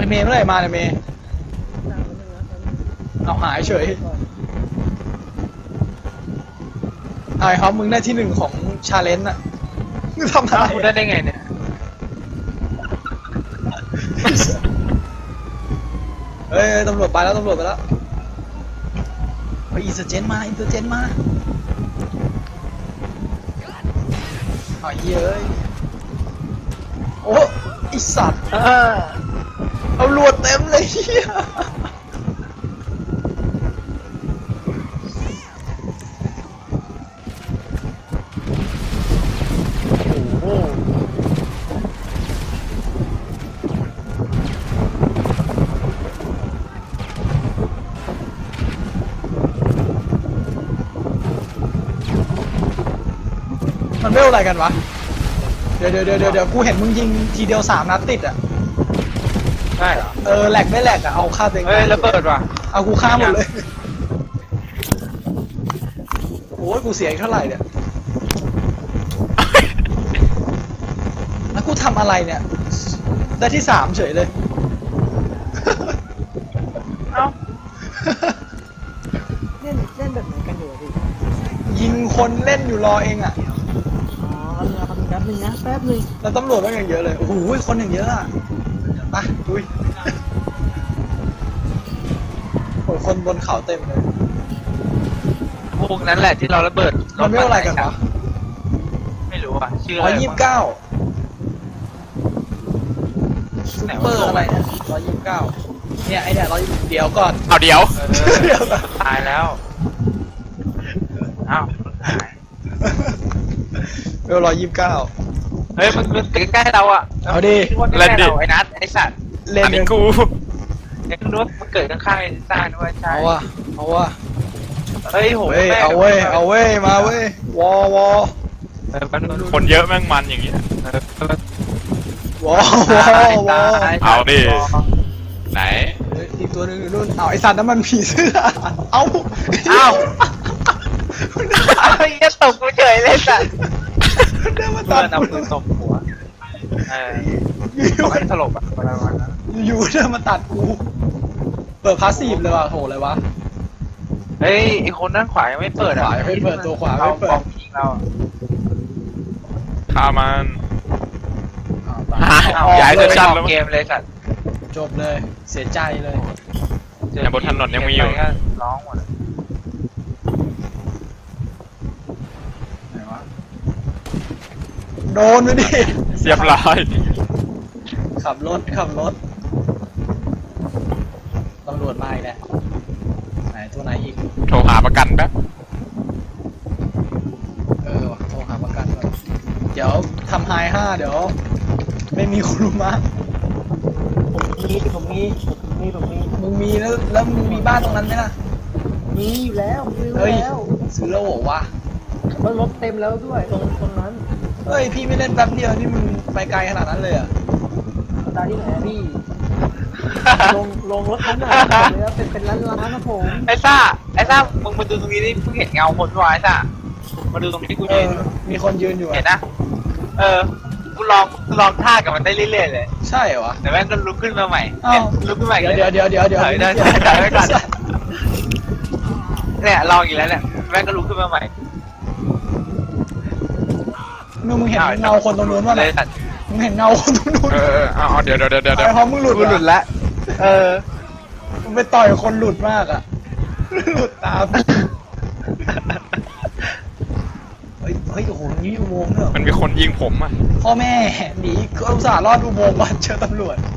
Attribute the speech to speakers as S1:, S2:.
S1: เมย์เมื่อไหร่มาเนี่ยเมย์เอาหายเฉยไอ้ครับมึงได้ที่หนึ่งของชาเลนจ์อะมึงทำอะไร
S2: กูได้ไงเนี่ย
S1: เฮ้ยตำรวจไปแล้วตำรวจไปแล้วเฮ้ยอินเตอร์เจนมาอินเตอร์เจนมาเอาเย้ยโอ้ไอสัตว์เอาลวดเต็มเลยเฮีย
S2: โอ้โห
S1: มันไม่อะไรกันวะเดี๋ยวกูเห็นมึงยิงทีเดียว3 นัดติดอ่ะ
S2: ใช่เหรอ
S1: แหลกไม่แหลกอ่ะเอาฆ่าตัวเอง
S2: เฮ้ยระเบิดว่ะ
S1: เอากูฆ่าหมดเลยโอ้ยกูเสียอีกเท่าไหร่เนี่ยแล้วกูทำอะไรเนี่ยได้ที่3เฉยเลย
S2: เอ้า
S3: เล่นแบบไหนกันอยู่อะพี่
S1: ยิงคนเล่นอยู่รอเองอ่ะ
S3: อ๋อแป๊บนึงนะแป๊บนึง
S1: แล้วตำรวจก็อย่างเยอะเลยโอ้โหคนอย่างเยอะอ่ะไปดุยโอ้ยคนบนเขาเต็มเลย
S2: พวกนั้นแหละที่เราระเบิด
S1: มันไม่อะไรกันวะ
S2: ไม่รู้อ่ะชื่ออะไร
S1: 129ซุปเปอร์อะไรเนี่ย129เนี่ยไอเนี่ย120เดี๋ยวก่อน
S4: เอาเดี๋ยว
S1: เดี๋ยวก่อน
S2: ตายแล้วอ้าวหาย
S1: เวล129
S2: เฮ้ยมันใกล้ๆเราอ่ะ
S1: เอาดิ
S2: ใกล้ๆเราไอ้นัทไอ้สัตว์
S1: เล่น
S4: อันนี้
S1: กัน
S4: กู
S2: ไอ้นู้นมันเกิดข้างๆไอ้ซ่าด้วยใช่
S1: เอาว่ะเอาว่ะ
S2: เฮ้ยโห
S1: เว้ย
S2: แม่ง
S1: เอาเว้ยมาเว้ยวอ
S2: แป๊บนึง
S4: คนเยอะแม่งมันอย่างงี้
S1: วอ
S4: เอาดิ ไหน
S1: อีกตัวหนึงอยู่นู่นเอาไอสัตว์นั้นมันผีเสื้อเอา
S2: อ้าวไอ้ยัดตกกูเฉยเลยสัตว์
S1: เดินมา
S2: เพื่
S1: ตั
S2: อ
S1: ด
S2: นเอาปืนตบหัวบอกให้สลบอ่ะประมาณนั้น
S1: อยู่เดินมาตัดกูเปิดพาสซีฟเลยว่ะโหเลยวะ
S2: เฮ้ยไอ้คนด้านขวายังไม่เปิดอ่ะ
S1: ขวายังไม่เปิดตัวขวาไม่เปิด
S2: กองยิงเรา
S4: ฆ่ามัน
S1: เอา
S4: ย้ายเซสชั่น
S2: แล้
S4: แล้ว ว
S2: เกมเลยสัตว์
S1: จบเลยเสียใจเลย
S4: เนี่ยบนถนนยังมีอยู่
S2: ร้องหมด
S1: ไหนวะโดนไปดิ
S4: เรียบร้อย
S1: ขับรถตำรวจมาอีกแล้วไหนตัวไหนอีก
S4: โทรหาประกันแป๊บ
S1: ว่ะโทรหาประกันก่อนเดี๋ยวทำไฮ5เดี๋ยวไม่มีคุรุมะ
S3: ผมมี
S1: มึงมีแล้วมึงมีบ้านตรงนั้นไหมล่ะ
S3: มีอยู่แล้วซื้อ
S1: เฮ้ย
S3: แล้ว
S1: ซื้อแล้วเหรอวะ
S3: รถเต็มแล้วด้วยตรงนั้น
S1: เฮ้ยพี่ไม่เล่นแป๊บเดียวนี่มึงไปไกลขนาดนั้นเลยอ่ะ
S3: ตาที่ไหนพี่ลงรถทั้งหมดเลยแล้วเป็นร้านนะผม
S2: ไอ้ซ่ามึงมาดูตรงนี้ดิเพิ่งเห็นเงาคนวะไอ้ซ่ามาดูตรงนี้กู
S1: เอ
S2: ยื
S1: อน มีคนยืนอยู่
S2: เห็น
S1: อะ
S2: นะกูลองท่ากับมันได้เรื่อยๆเลย
S1: ใช่เหรอวะ
S2: แต่แม่งก็ลุกขึ้นมาใหม่
S1: อ้าว
S2: ลุกขึ้นมาอีก
S1: เดี๋ยว
S2: ถอยไว้ก่อนเนี่ยลองอีกแล้วเนี่ยแม่งก็ลุกขึ้นมาใหม่
S1: มึงเห็นเงาคนตรงนู้นวะ
S2: เล
S1: เนี่ย
S2: ยสัตว์
S1: มึงเห็นเงาคนตรงนู้น
S4: เอาเดี๋ยว
S1: ไอ้พอมึงหลุด
S2: กูหลุด
S1: ละ
S2: แล้ว
S1: มึงไปต่อยคนหลุดมากอ่ะหลุดตามเฮ้ยโอ้โหนี่อุโมงค์เหรอ
S4: มันมีคนยิงผมอ่ะ
S1: พ่อแม่หนีก็อุตส่าห์รอดอุโมงค์ก่อนเจอตำรวจ